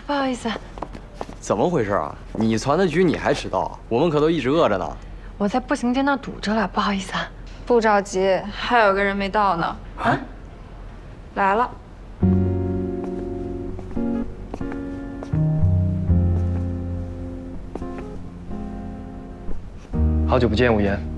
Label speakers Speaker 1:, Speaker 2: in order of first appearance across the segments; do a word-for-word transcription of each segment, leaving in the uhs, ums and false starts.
Speaker 1: 不好意思。
Speaker 2: 怎么回事啊？你传的局你还迟到？我们可都一直饿着呢。
Speaker 1: 我在步行街那儿堵着了，不好意思啊。
Speaker 3: 不着急，还有个人没到呢。啊，来了。
Speaker 4: 好久不见，无言。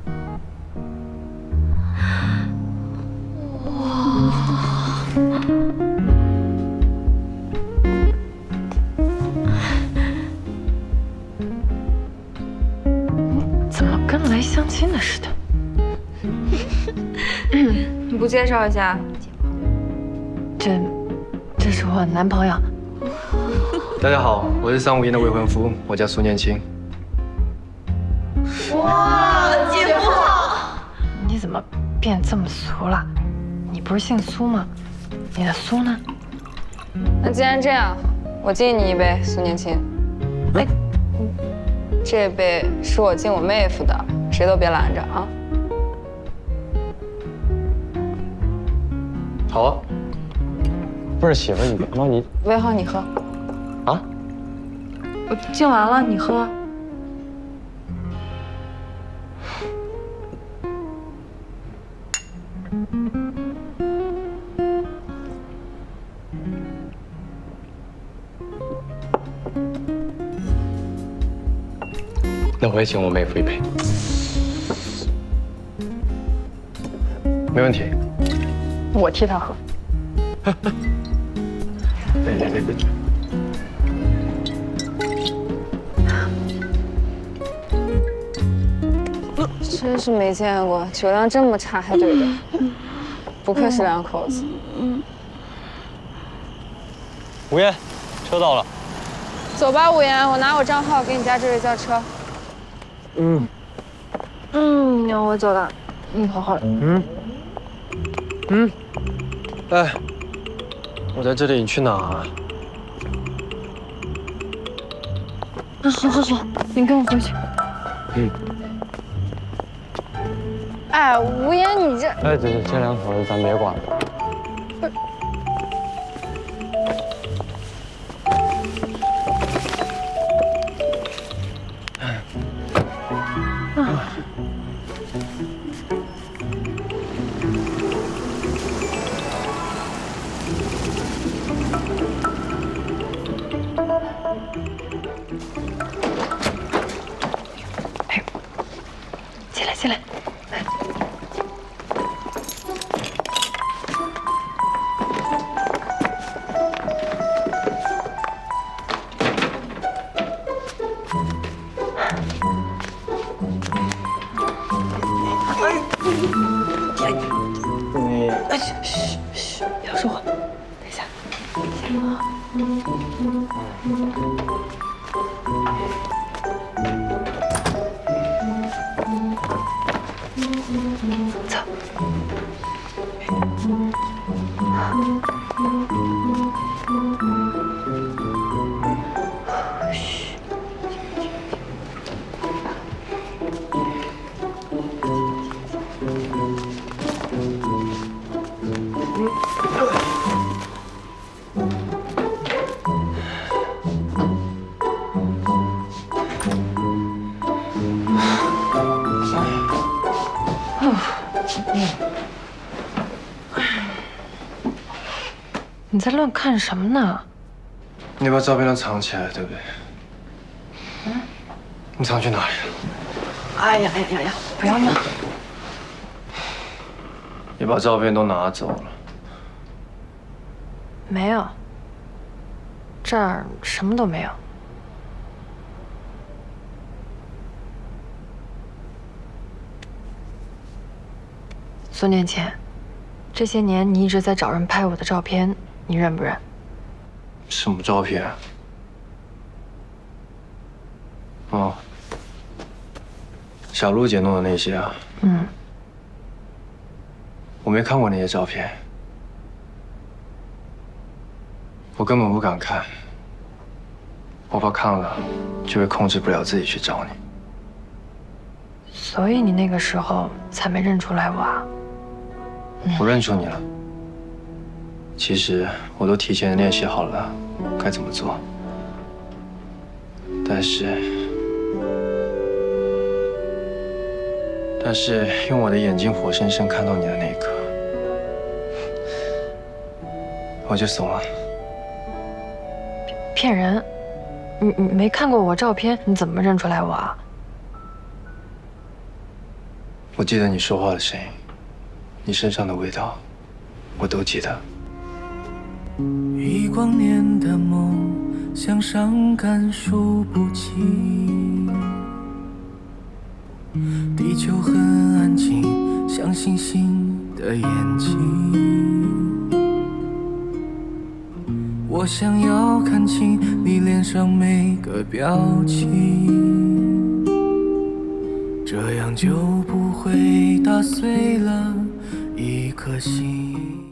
Speaker 1: 怎么跟来相亲的似的？
Speaker 3: 你不介绍一下？
Speaker 1: 这，这是我男朋友。
Speaker 4: 大家好，我是桑无言的未婚夫，我叫苏念青。
Speaker 1: 哇，姐夫好！你怎么变这么俗了？你不是姓苏吗？你的苏呢？
Speaker 3: 那既然这样，我敬你一杯，苏年青。
Speaker 1: 哎，
Speaker 3: 这杯是我敬我妹夫的，谁都别拦着啊！
Speaker 4: 好啊。不是媳妇，你别吗？你
Speaker 3: 魏浩，你喝。
Speaker 4: 啊？
Speaker 3: 我敬完了，你喝。
Speaker 2: 那我也请我妹夫一杯。
Speaker 4: 没问题。
Speaker 1: 我替他喝。
Speaker 4: 别别别别！
Speaker 3: 真是没见过酒量这么差还对着，不愧是两口子。
Speaker 4: 无言，车到了。
Speaker 3: 走吧，无言，我拿我账号给你加这位叫车。
Speaker 4: 嗯。
Speaker 3: 嗯，我走了。嗯，好好的。
Speaker 4: 嗯。嗯。哎，我在这里，你去哪啊？
Speaker 1: 啊，好好好，你跟我回去。
Speaker 4: 嗯。
Speaker 3: 哎，无言，你这……
Speaker 4: 哎，这这这两口子咱别管了。
Speaker 3: 不是。
Speaker 1: 啊。哎，进来，进来。
Speaker 4: 你
Speaker 1: 哎，嘘嘘嘘，不要说话。等一下，行吗？走。嘘。你在乱看什么呢？
Speaker 4: 你把照片都藏起来，对不对？嗯。你藏去哪里了？
Speaker 1: 哎呀呀呀呀！不要闹！
Speaker 4: 你把照片都拿走了。
Speaker 1: 没有，这儿什么都没有。苏念倩，这些年你一直在找人拍我的照片，你认不认？
Speaker 4: 什么照片？哦，小璐姐弄的那些啊。
Speaker 1: 嗯。
Speaker 4: 我没看过那些照片，我根本不敢看，我怕看了就会控制不了自己去找你。
Speaker 1: 所以你那个时候才没认出来我啊？
Speaker 4: 我认出你了， 其实我都提前练习好了该怎么做，但是，但是用我的眼睛活生生看到你的那一刻，我就怂了。
Speaker 1: 骗人！你你没看过我照片，你怎么认出来我啊？
Speaker 4: 我记得你说话的声音，你身上的味道，我都记得。
Speaker 5: 一光年的梦，向上看数不清。地球很安静，像星星的眼睛。我想要看清你脸上每个表情，这样就不会打碎了一颗心。